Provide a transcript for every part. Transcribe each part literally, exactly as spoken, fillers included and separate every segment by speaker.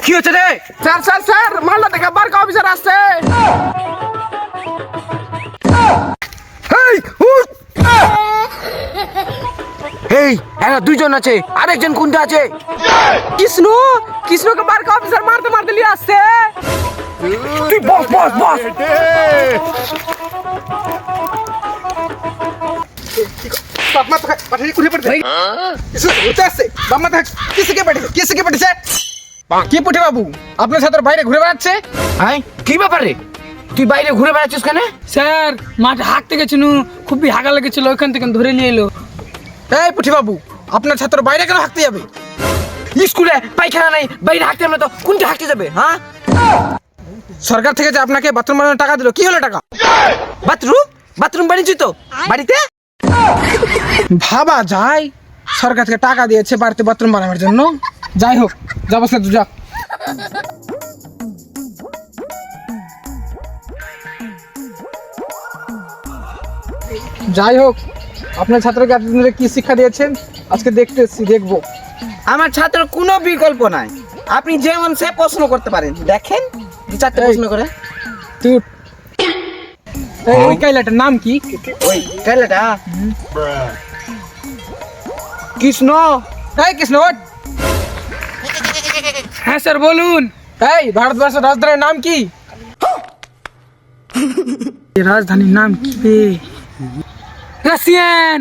Speaker 1: কি হচ্ছে রে?
Speaker 2: স্যার স্যার স্যার মালদা থেকে বারকা অফিসার আসছে।
Speaker 1: এই উঠ! এই এরা দুইজন আছে, আরেকজন কোনটা আছে?
Speaker 2: কৃষ্ণ কৃষ্ণকে বারকা অফিসার মারতে মারতে নিয়ে আসছে।
Speaker 1: তুই বস বস বস।
Speaker 2: বাপ মা তো পাঠিয়ে কুড়িয়ে পড়তে কিছু ঘুরতে আসছে। বাপ মা তো কিসকে পাঠিয়েছে কিসকে পাঠিয়েছে? কি পুঠি বাবু আপনার ছাত্র বাইরে ঘুরে বেড়াচ্ছে?
Speaker 1: আয় কি ব্যাপারে? তুই বাইরে ঘুরে বেড়াচ্ছিস কেন?
Speaker 3: স্যার মাঠে হাঁকতে গেছিল, খুবই হাগা লেগেছিল, ওইখান থেকে ধরে নিয়ে এলো।
Speaker 2: এই পুঠি বাবু আপনার ছাত্র বাইরে কেন হাঁকতে যাবে?
Speaker 1: স্কুলে পায়খানা নাই, বাইরে হাঁটতে আমরা তো কোনটা হাঁটতে যাবে? হ্যাঁ,
Speaker 2: সরকার থেকে যে আপনাকে বাথরুম বানানোর টাকা দিল, কি হলো টাকা?
Speaker 1: বাথরুম বাথরুম বানিয়েছি তো বাড়িতে।
Speaker 2: ভাবা যায় সরকার থেকে টাকা দিয়েছে বাড়িতে বাথরুম বানানোর জন্য। যাই হোক যাবো স্যার যা। যাই হোক আপনার ছাত্রকে এতদিন ধরে কি শিক্ষা দিয়েছেন আজকে দেখতে এসেছি, দেখবো।
Speaker 4: আমার ছাত্র কোনো বিকল্প নাই, আপনি যেমন সে প্রশ্ন করতে পারেন। দেখেন দু চারটে
Speaker 2: এই।
Speaker 4: প্রশ্ন করে।
Speaker 2: তুই উঠ। এই ওই কাইলাটার নাম কি?
Speaker 4: ওই কাইলাটা
Speaker 1: কৃষ্ণ।
Speaker 2: এই কৃষ্ণ ওঠ।
Speaker 3: হ্যাঁ স্যার বলুন।
Speaker 2: এই ভারতবর্ষের রাজধানীর নাম কি? এই রাজধানীর নাম কি বে?
Speaker 3: রাশিয়ান।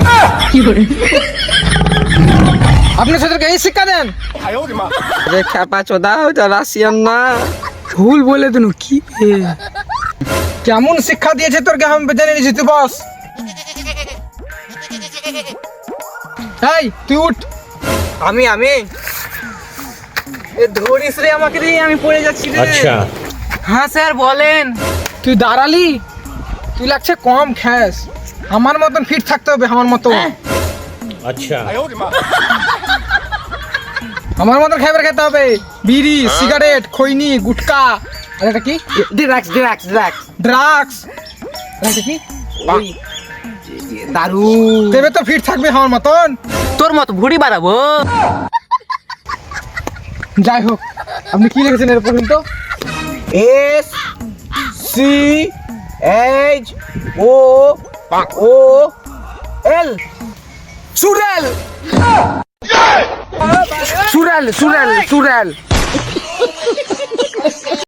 Speaker 2: আপনার ছাত্রকে এই শিক্ষা দেন?
Speaker 4: রে খ্যাপা চোদা, ওটা রাশিয়ান না।
Speaker 2: ভুল বলে দিন কি বে? কেমন শিক্ষা দিয়েছে তোর আমি জেনে নিয়েছি, তুই বস। এই তুই উঠ।
Speaker 4: আমি আমি এ ধরিস রে আমাকে রে, আমি পড়ে যাচ্ছি রে।
Speaker 5: अच्छा
Speaker 4: হ্যাঁ স্যার বলেন।
Speaker 2: তুই দাঁড়ালি, তুই লাগছে কম খ্যাস। আমার মতন ফিট থাকতে হবে, আমার মতো
Speaker 5: अच्छा
Speaker 2: আমার মতন খাবার খেতে হবে। বিড়ি সিগারেট খৈনি গুটকা আর এটা কি?
Speaker 4: ডিরাক্স ডিরাক্স ডিরাক্স
Speaker 2: ড্রাগস। এটা কি?
Speaker 4: ওই দারু।
Speaker 2: তবে তো ফিট থাকবে আমার মতন।
Speaker 4: তোর মতো ভুড়ি বাড়াবো।
Speaker 2: যাই হোক আপনি কি লিখেছেন এর পর্যন্ত?
Speaker 4: S C H O O L
Speaker 1: সুরেল সুরেল সুরেল সুরেল